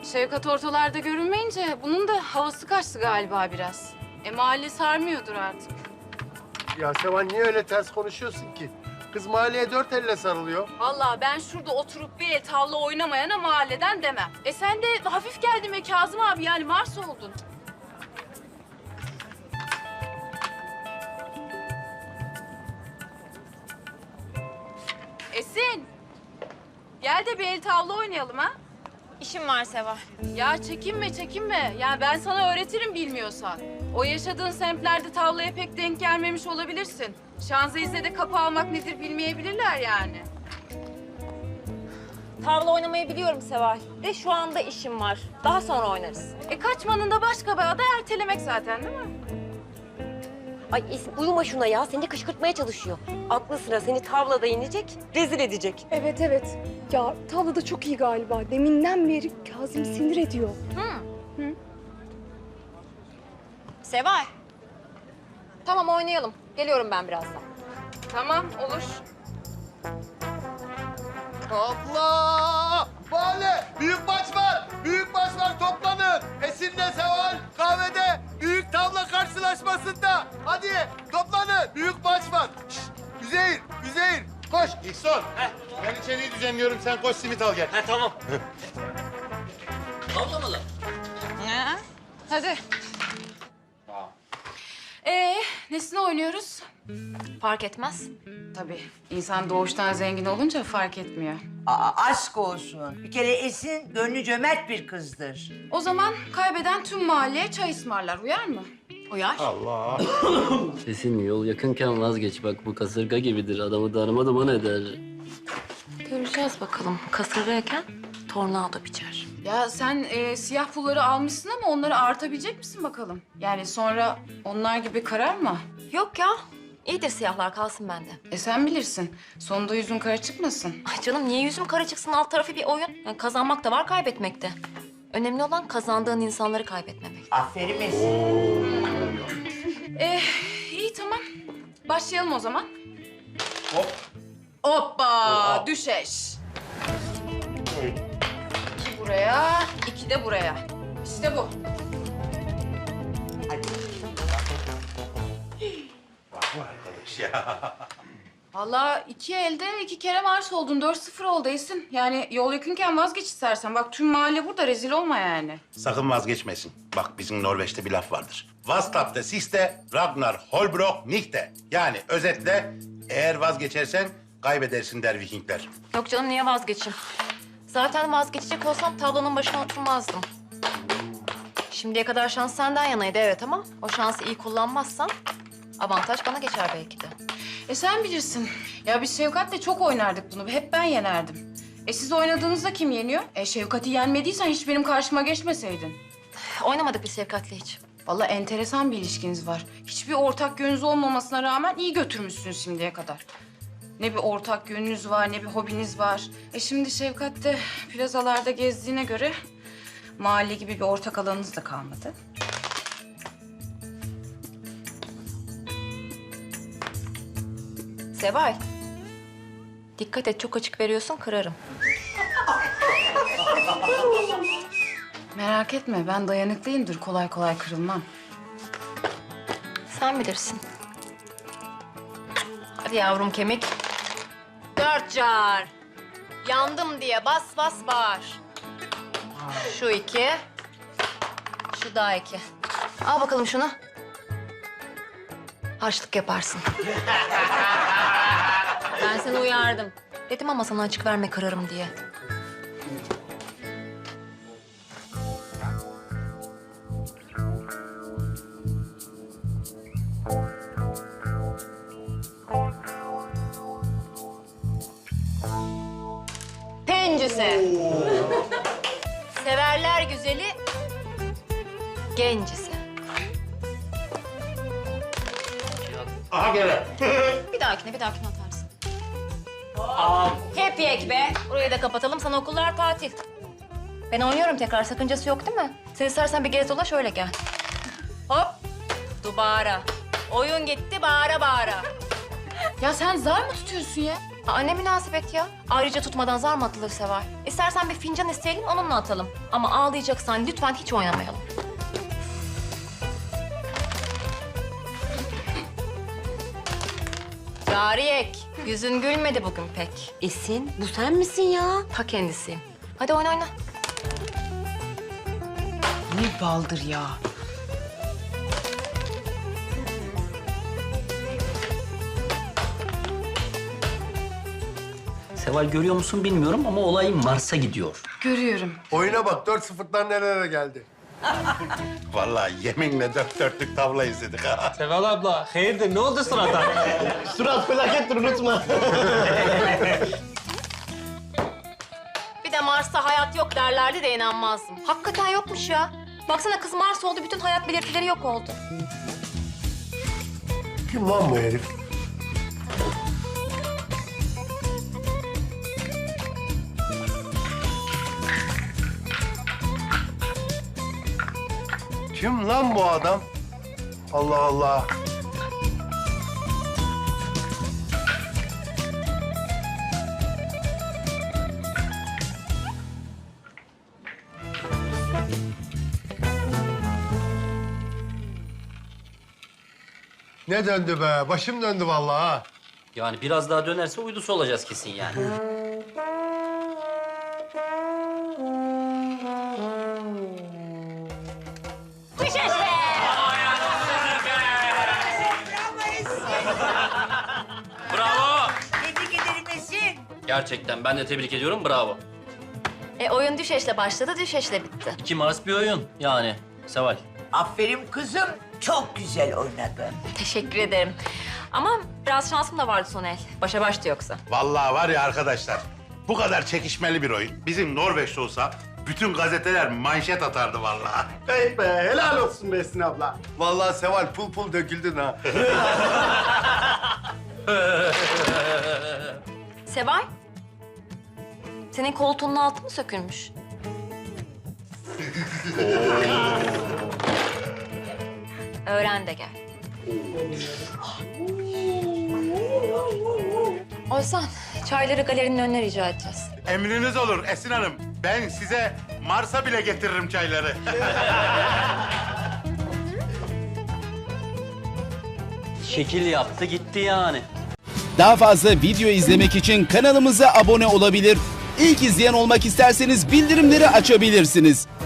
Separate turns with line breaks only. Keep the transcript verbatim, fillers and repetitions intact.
Şevkat ortalarda görünmeyince bunun da havası kaçtı galiba biraz. E mahalle sarmıyordur artık.
Ya Seval niye öyle ters konuşuyorsun ki? Kız mahalleye dört elle sarılıyor.
Vallahi ben şurada oturup bir el tavla oynamayana mahalleden demem. E sen de hafif geldin be Kazım abi, yani Mars oldun. Esin, gel de bir el tavla oynayalım ha.
İşim var Seval.
Ya çekinme çekinme. Ya ben sana öğretirim bilmiyorsan. O yaşadığın semtlerde tavlaya pek denk gelmemiş olabilirsin. Şanzelize'de kapı almak nedir bilmeyebilirler yani.
Tavla oynamayı biliyorum Seval. De şu anda işim var. Daha sonra oynarız.
E kaçmanın da başka bir adı ertelemek zaten değil mi?
Ay Esin uyuma şuna ya. Seni kışkırtmaya çalışıyor. Aklı sıra seni tavlada inecek, rezil edecek.
Evet evet. Ya tavla da çok iyi galiba. Deminden beri Kazım sinir ediyor.
Seval. Tamam oynayalım. Geliyorum ben birazdan.
Tamam olur.
Allah! Mahalle! Büyük maç var! Büyük maç var! Toplanın! Esin'le Seval kahvede büyük tavla karşılaşmasında. Hadi toplanın! Büyük maç var! Şşt! Üzeyir! Üzeyir! Koş! İhsan! Ben içeriği düzenliyorum. Sen koş simit al gel.
Ha tamam. Avlamalı.
Hadi. Ee, nesine oynuyoruz?
Fark etmez.
Tabii. İnsan doğuştan zengin olunca fark etmiyor.
Aa, aşk olsun. Bir kere Esin gönlü cömert bir kızdır.
O zaman kaybeden tüm mahalleye çay ısmarlar. Uyar mı?
Uyar.
Allah!
Esin yol yakınken vazgeç. Bak bu kasırga gibidir. Adamı darma duman eder.
Göreceğiz bakalım. Kasırgayken tornado biçer.
Ya sen e, siyah pulları almışsın ama onları artabilecek misin bakalım? Yani sonra onlar gibi karar mı?
Yok ya. İyidir siyahlar kalsın bende.
E sen bilirsin. Sonunda yüzün kara çıkmasın.
Ay canım niye yüzüm kara çıksın, alt tarafı bir oyun. Yani kazanmak da var, kaybetmek de. Önemli olan kazandığın insanları kaybetmemek.
Aferin Esin.
E, iyi tamam. Başlayalım o zaman.
Hop!
Hoppa! Düşeş. İki buraya, iki de buraya. İşte bu.
Hadi.
Vallahi iki elde iki kere Mars oldun. Dört sıfır oldu Esin. Yani yol yakınken vazgeç istersen. Bak tüm mahalle burada, rezil olma yani.
Sakın vazgeçmesin. Bak bizim Norveç'te bir laf vardır. Was klappt siste, Ragnar Holbrok nichte. Yani özetle eğer vazgeçersen kaybedersin der Vikingler.
Yok canım niye vazgeçeyim? Zaten vazgeçecek olsam tablonun başına oturmazdım. Şimdiye kadar şans senden yanaydı evet ama o şansı iyi kullanmazsan avantaj bana geçer belki de.
E sen bilirsin. Ya biz Şevkat'le çok oynardık bunu. Hep ben yenerdim. E siz oynadığınızda kim yeniyor? E Şevkat'i yenmediysen hiç benim karşıma geçmeseydin.
Oynamadık biz Şevkat'le hiç.
Vallahi enteresan bir ilişkiniz var. Hiçbir ortak yönünüz olmamasına rağmen iyi götürmüşsünüz şimdiye kadar. Ne bir ortak yönünüz var, ne bir hobiniz var. E şimdi Şevkat de plazalarda gezdiğine göre mahalle gibi bir ortak alanınız da kalmadı.
Seval. Dikkat et çok açık veriyorsun kırarım.
Merak etme, ben dayanıklıyımdır. Kolay kolay kırılmam.
Sen bilirsin. Hadi yavrum kemik. Dört car. Yandım diye bas bas bağır. Şu iki. Şu daha iki. Al bakalım şunu. Harçlık yaparsın. Ben seni uyardım. Dedim ama sana açık verme kırarım diye. Pencüse. Severler güzeli, gencisi.
Aha gele.
Bir dahakine, bir dahakine atarsın. Hep yek be. Burayı da kapatalım, sana okullar tatil. Ben oynuyorum tekrar, sakıncası yok değil mi? Sen istersen bir gez dolaş, öyle gel. Hop, dubara. Oyun gitti, bağıra bağıra.
Ya sen zar mı tutuyorsun ya?
Aa, ne münasebet ya. Ayrıca tutmadan zar mı atılır Seval? İstersen bir fincan isteyelim, onunla atalım. Ama ağlayacaksan lütfen hiç oynamayalım. Cariyek, yüzün gülmedi bugün pek.
Esin bu sen misin ya?
Ta kendisiyim. Hadi oyna oyna.
Ne baldır ya.
Seval görüyor musun bilmiyorum ama olay Mars'a gidiyor.
Görüyorum.
Oyuna bak dört sıfırdan nerelere geldi.
Vallahi yeminle dört dörtlük tavla izledik ha.
Seval abla, hayırdır ne oldu surata?
Surat felakettir unutma.
Bir de Mars'ta hayat yok derlerdi de inanmazdım. Hakikaten yokmuş ya. Baksana kız Mars oldu, bütün hayat belirtileri yok oldu.
Kim lan bu herif? Kim lan bu adam? Allah Allah. Ne döndü be? Başım döndü vallahi ha.
Yani biraz daha dönerse uydusu olacağız kesin yani. Bravo.
Tebrik ederim Esin.
Gerçekten ben de tebrik ediyorum. Bravo.
E oyun düşeşle başladı, düşeşle bitti.
İki Mars bir oyun yani. Seval.
Aferin kızım. Çok güzel oynadın.
Teşekkür ederim. Ama biraz şansım da vardı son el. Başa baştı yoksa.
Vallahi var ya arkadaşlar, bu kadar çekişmeli bir oyun bizim Norveç'te olsa bütün gazeteler manşet atardı vallahi.
Hey be, helal olsun be Esin abla. Vallahi Seval pul pul döküldün ha.
Seval, senin koltuğunun altı mı sökülmüş? Öğren de gel. Oysan, çayları galerinin önüne rica edeceğiz.
Emriniz olur Esin Hanım. Ben size Mars'a bile getiririm çayları.
Şekil yaptı gitti yani.
Daha fazla video izlemek için kanalımıza abone olabilir. İlk izleyen olmak isterseniz bildirimleri açabilirsiniz.